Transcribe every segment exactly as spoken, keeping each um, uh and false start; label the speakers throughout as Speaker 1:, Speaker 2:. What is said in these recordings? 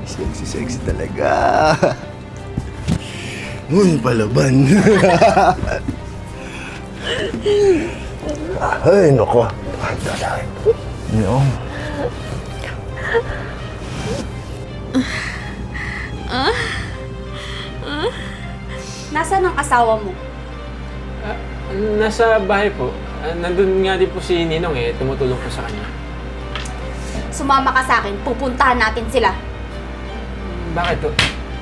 Speaker 1: Sexy, sexy talaga. Uy, palaban. Ay, nako. No.
Speaker 2: Ah? Ah? Nasaan ang asawa mo?
Speaker 3: Ah, nasa bahay po. Ah, nandun nga din po si Ninong eh. Tumutulong po sa kanya.
Speaker 2: Sumama ka sa akin, pupuntahan natin sila.
Speaker 3: Bakit to?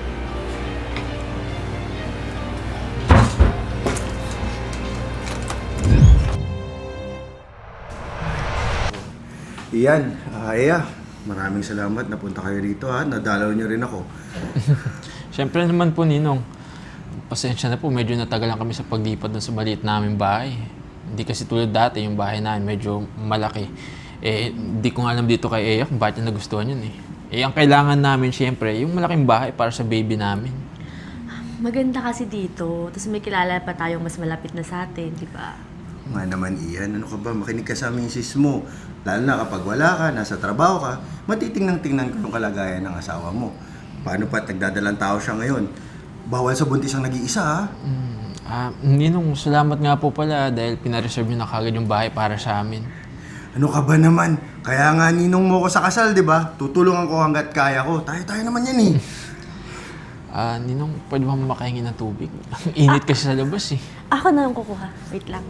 Speaker 1: Iyan, uh, Aya, maraming salamat. Napunta kayo dito ha. Nadalaw niyo rin ako.
Speaker 3: Siyempre naman po, Ninong. Pasensya na po, medyo natagalan kami sa paglipat dun sa maliit namin bahay. Hindi kasi tulad dati, yung bahay namin medyo malaki. Eh, hindi ko nga alam dito kay Aya kung bakit niya nagustuhan yun eh. Eh, ang kailangan namin siyempre, yung malaking bahay para sa baby namin.
Speaker 4: Maganda kasi dito. Tapos may kilala pa tayong mas malapit na sa atin, di ba?
Speaker 1: Nga naman, Ian, ano ka ba? Makinig ka sa misis mo. Lalo na kapag wala ka, nasa trabaho ka, matitingnan-tingnan ko yung kalagayan ng asawa mo. Paano pa nagdadalang tao siya ngayon? Bawal sa buntis ang nag-iisa, ha?
Speaker 3: Mm, ah, Ninong, salamat nga po pala dahil pinareserve niyo na kagad yung bahay para sa amin.
Speaker 1: Ano ka ba naman? Kaya nga ninong mo ko sa kasal, di ba? Tutulungan ko hanggat kaya ko. Tayo-tayo naman yan, eh.
Speaker 3: Ah, Ninong, pwede ba makahingi ng tubig? Ang init kasi sa labas eh.
Speaker 4: Ako na ang kukuha. Wait lang.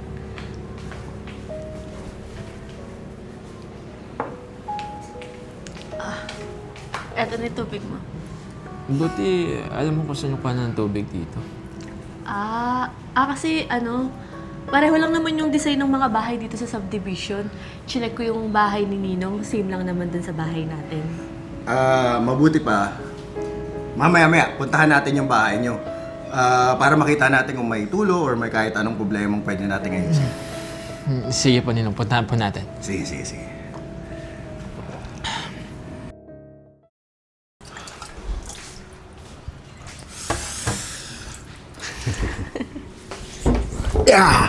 Speaker 4: Ah, eto na yung tubig mo.
Speaker 3: Buti, alam mo kung saan yung kuha ng tubig dito.
Speaker 4: Ah, ah kasi ano, pareho lang naman yung design ng mga bahay dito sa subdivision. Chinek ko yung bahay ni Ninong, same lang naman dun sa bahay natin.
Speaker 1: Ah, mabuti pa. Mamaya-maya, puntahan natin yung bahay nyo. Ah, para makita natin kung may tulo or may kahit anong problemang pwede natin ngayon.
Speaker 3: Hmm, Sige po, Ninong. Puntahan po natin.
Speaker 1: Sige, sige, sige. Yeah!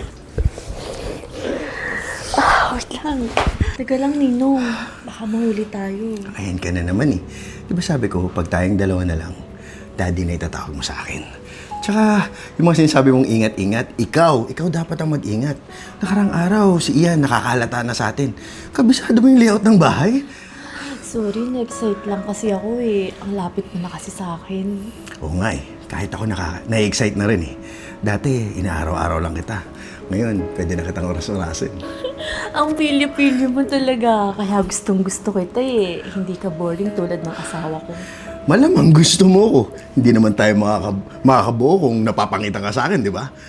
Speaker 4: Ah, wait lang. Teka lang, Ninong. Baka mahuli tayo.
Speaker 1: Ayan ka na naman eh. Di ba sabi ko, pag tayong dalawa na lang, daddy na itatawag mo sa akin. Tsaka, yung mga sinasabi mong ingat-ingat, ikaw, ikaw dapat ang mag-ingat. Nakarang araw, si Ian nakakalata na sa atin. Kabisado mo yung layout ng bahay?
Speaker 4: Sorry, na-excite lang kasi ako eh. Ang lapit mo na kasi sa akin.
Speaker 1: Oo nga eh. Kahit ako naka, na-excite na rin eh. Dati, inaaraw-araw lang kita. Ngayon, pwede na kitang oras-orasin.
Speaker 4: Ang pilyo-pilyo mo talaga. Kaya gustong-gusto kita eh. Hindi ka boring tulad ng asawa ko.
Speaker 1: Malamang gusto mo ko. Hindi naman tayo makaka, makakabuo kung napapangita ka sa akin, di ba?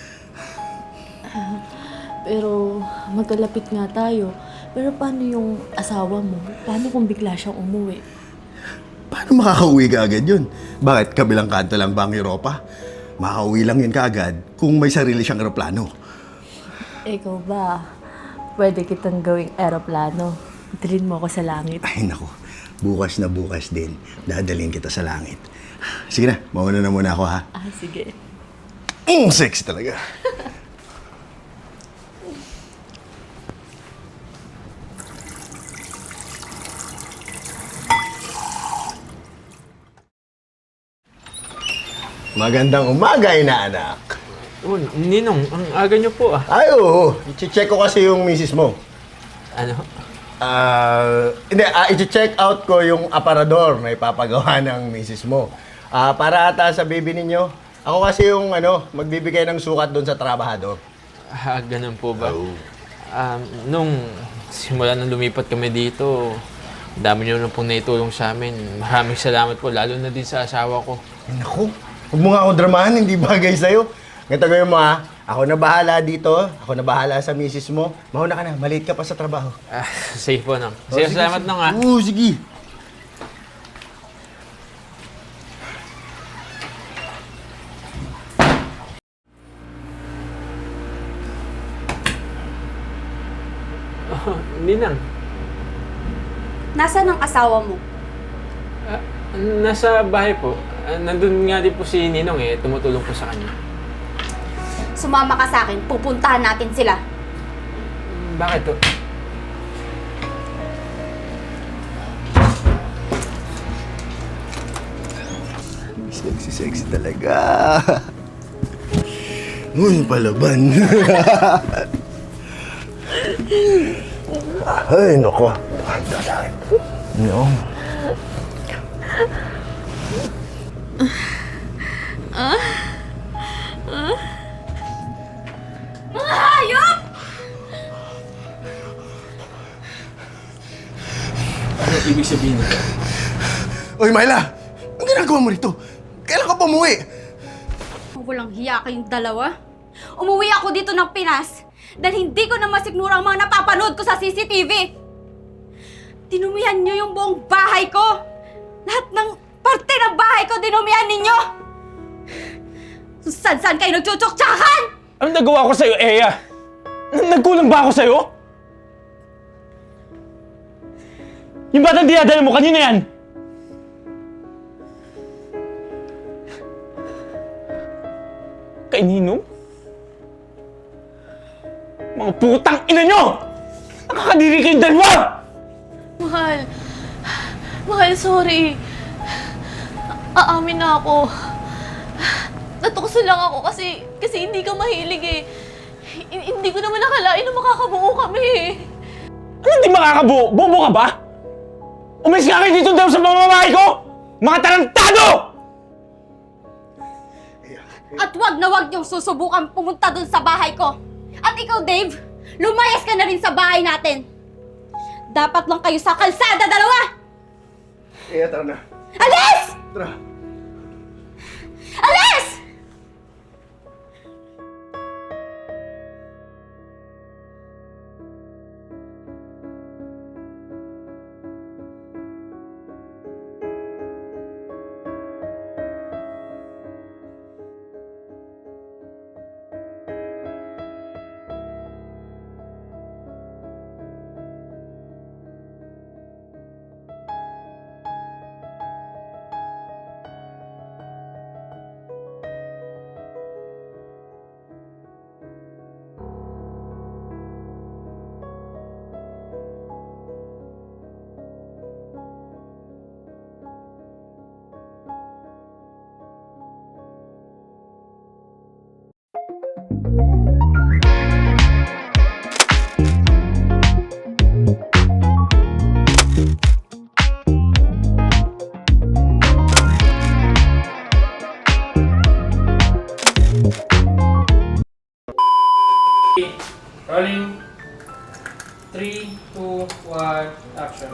Speaker 4: Pero magkalapit nga tayo. Pero paano yung asawa mo? Paano kung bigla siyang umuwi?
Speaker 1: Paano makakauwi ka agad yun? Bakit? Kabilang kanto lang ba ang Europa? Makakauwi lang yun kaagad kung may sarili siyang aeroplano.
Speaker 4: Ikaw ba? Pwede kitang gawing aeroplano. Dalhin mo ako sa langit.
Speaker 1: Ay, naku. Bukas na bukas din. Dadalhin kita sa langit. Sige na, mauna na muna ako, ha?
Speaker 4: Ah, sige.
Speaker 1: Mm, sexy talaga. Magandang umaga, inaanak.
Speaker 3: Oh, Ninong, ang aga niyo po ah.
Speaker 1: Ay, oo. I-check ko kasi yung misis mo.
Speaker 3: Ano?
Speaker 1: Ah, hindi, ah, i-check out ko yung aparador na ipapagawa ng misis mo. Ah, para ata sa baby ninyo. Ako kasi yung ano, magbibigay ng sukat doon sa trabahador.
Speaker 3: Ah, ganun po ba?
Speaker 1: Oo.
Speaker 3: Um, nung simula nang lumipat kami dito, ang dami niyo na pong naitulong sa amin. Maraming salamat po, lalo na din sa asawa ko.
Speaker 1: Ay, naku. Huwag mo nga ako dramahan, hindi bagay sa'yo. Ganito gawin mo ha. Ako na bahala dito. Ako na bahala sa misis mo. Mauna ka na, maliit ka pa sa trabaho.
Speaker 3: Ah, safe po, Nong.
Speaker 1: Oh,
Speaker 3: Sige, salamat, Nong, ah.
Speaker 1: Oo, sige.
Speaker 3: Oh, Ninang,
Speaker 2: Nasaan ang asawa mo?
Speaker 3: ah, nasa bahay po. Ah, nandun nga din po si Ninong eh. Tumutulong po sa kanya.
Speaker 2: Sumama ka sa akin, pupuntahan natin sila.
Speaker 3: Bakit to?
Speaker 1: Sexy, sexy talaga. Uy, palaban. Ay, nako. Handa sa akin. No.
Speaker 2: Mga hayop!
Speaker 3: Ano ibig sabihin nito?
Speaker 1: Uy, Myla! Ang ginagawa mo rito? Kailan ka pa umuwi?
Speaker 2: Walang hiya kayong dalawa. Umuwi ako dito ng Pinas dahil hindi ko na masikmura ang mga napapanood ko sa C C T V. Dinumihan niyo yung buong bahay ko. Lahat ng parte ng bahay ko dinumihan ninyo. Kung saan-saan kayo nagtsutsok-tsakan!
Speaker 5: Anong nagawa ko sa'yo, Eya? N- Nagkulang ba ako sa'yo? Yung batang dinadala mo, kanina yan! Kay Ninong? Mga putang ina nyo! Nakakadiri kayong dalawa!
Speaker 4: Mahal. Mahal, sorry. Aamin na ako. Natukso lang ako kasi kasi hindi ka mahilig eh. H- hindi ko naman nakalain na makakabuo kami eh.
Speaker 5: Ano hindi makakabuo? Bobo ka ba? Umalis ka kayo dito daw sa pamamahay ko! Mga tarantado!
Speaker 2: At wag na wag niyong susubukan pumunta dun sa bahay ko. At ikaw, Dave, lumayas ka na rin sa bahay natin. Dapat lang kayo sa kalsada, dalawa!
Speaker 1: Eh, tara na.
Speaker 2: Alis!
Speaker 1: Tara.
Speaker 2: Alis!
Speaker 6: Rolling. Three, two, one, action.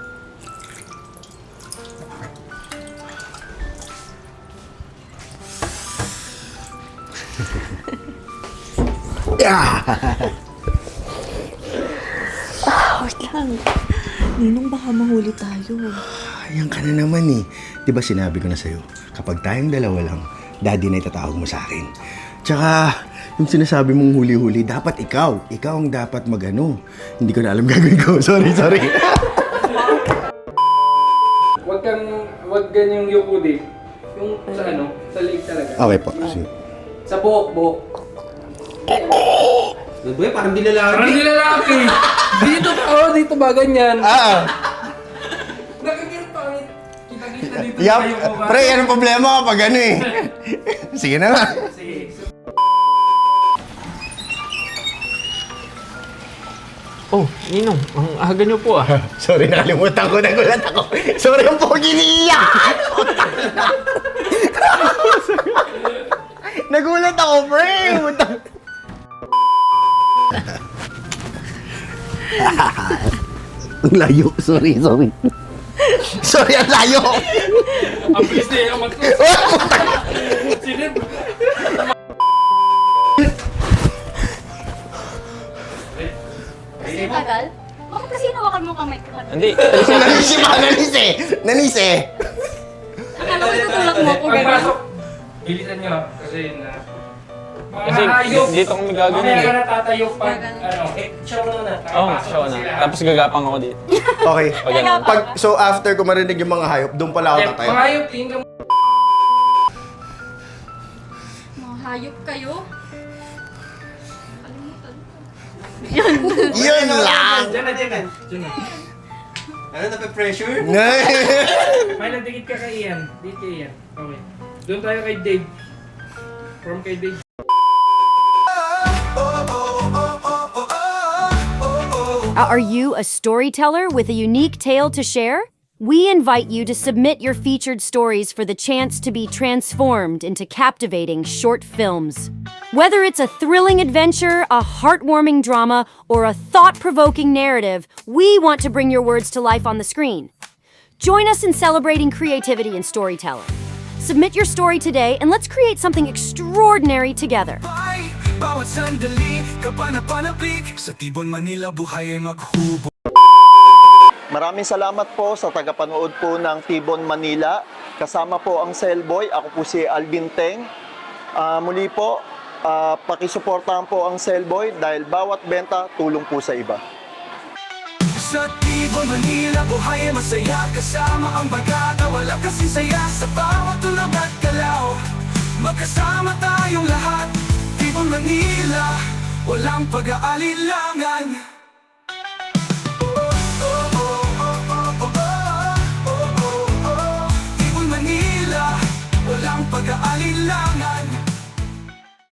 Speaker 4: Wait lang. Ninong, baka mahuli tayo.
Speaker 1: Ayan ka na naman eh. Di ba sinabi ko na sa'yo, kapag tayong dalawa lang, daddy na itatawag mo sa akin. Tsaka, yung sinasabi mong huli-huli, dapat ikaw. Ikaw ang dapat magano. Hindi ko na alam gagawin ko. Sorry, sorry.
Speaker 6: Huwag kang, huwag ganyang yuko din. Yung sa ano, sa leg talaga.
Speaker 1: Okay po. Sige.
Speaker 6: Sa buhok, buhok.
Speaker 7: Boy, parang di lalaki.
Speaker 6: Parang di lalaki. Dito pa, oh, dito ba ganyan?
Speaker 1: Ah,
Speaker 6: Nakakita pa, kita-kita dito
Speaker 1: Yup.
Speaker 6: sa yuko ka.
Speaker 1: Pre, anong problema kapag ano eh? Sige na nga.
Speaker 6: Sige.
Speaker 3: Oh, Ninong, ang aga niyo po ah.
Speaker 1: Sorry, nakalimutan ko. Nagulat ako. Sorry, ang pogi ni Iya. Nagulat ako, pre. Utang. Ang layo. Sorry, sorry. Sorry, ang layo.
Speaker 6: Ang bilis na yung mag- Sinip.
Speaker 2: Kasi tagal? Bakit kasi hinawakan mo kamay ko?
Speaker 3: Hindi,
Speaker 1: Nanis si mga nanis eh. Nanis eh.
Speaker 2: Akala ko tutulak mo ako, gano'n.
Speaker 6: Pagpasok, bilisan nyo ah, kasi na... Mga
Speaker 3: Kasi
Speaker 6: hayop.
Speaker 3: dito kami gagawin
Speaker 6: Mamaya
Speaker 3: eh.
Speaker 6: ka na tatayo pag, ano, eh, show mo na.
Speaker 3: Oo, oh,
Speaker 6: Nakapasok
Speaker 3: siya
Speaker 6: na
Speaker 3: na.
Speaker 6: sila.
Speaker 3: Tapos gagapang ako dito.
Speaker 1: Okay.
Speaker 3: Pag ano.
Speaker 1: Pag, so after ko marinig yung mga hayop, doon pala ako
Speaker 6: Eh,
Speaker 1: tatayo.
Speaker 6: mga hayop, tingin ka mo.
Speaker 2: Mga hayop kayo?
Speaker 1: Yun lang.
Speaker 6: Diyan na, diyan na. Diyan na.
Speaker 7: Ano, nape-pressure?
Speaker 6: May nagdikit ka kay Ian. Dito kay Ian. Okay. Doon tayo kay Dave. From kay Dave.
Speaker 8: Are you a storyteller with a unique tale to share? We invite you to submit your featured stories for the chance to be transformed into captivating short films. Whether it's a thrilling adventure, a heartwarming drama, or a thought-provoking narrative, we want to bring your words to life on the screen. Join us in celebrating creativity and storytelling. Submit your story today and let's create something extraordinary together.
Speaker 9: Bawat sandali, kapanapanabik sa Tibon, Manila, buhay ay maghubo.
Speaker 10: Maraming salamat po sa tagapanood po ng Tibon, Manila. Kasama po ang Cellboy. Ako po si Alvin Teng. Ah, muli po, uh, pakisuportahan po ang Cellboy dahil bawat benta tulong po sa iba.
Speaker 9: Sa Tibon, Manila, buhay ay masaya. Kasama ang bagata, wala kasi saya. Sa bawat tulog at galaw, magkasama tayong lahat. Tibon, Manila, walang pag-aalilangan.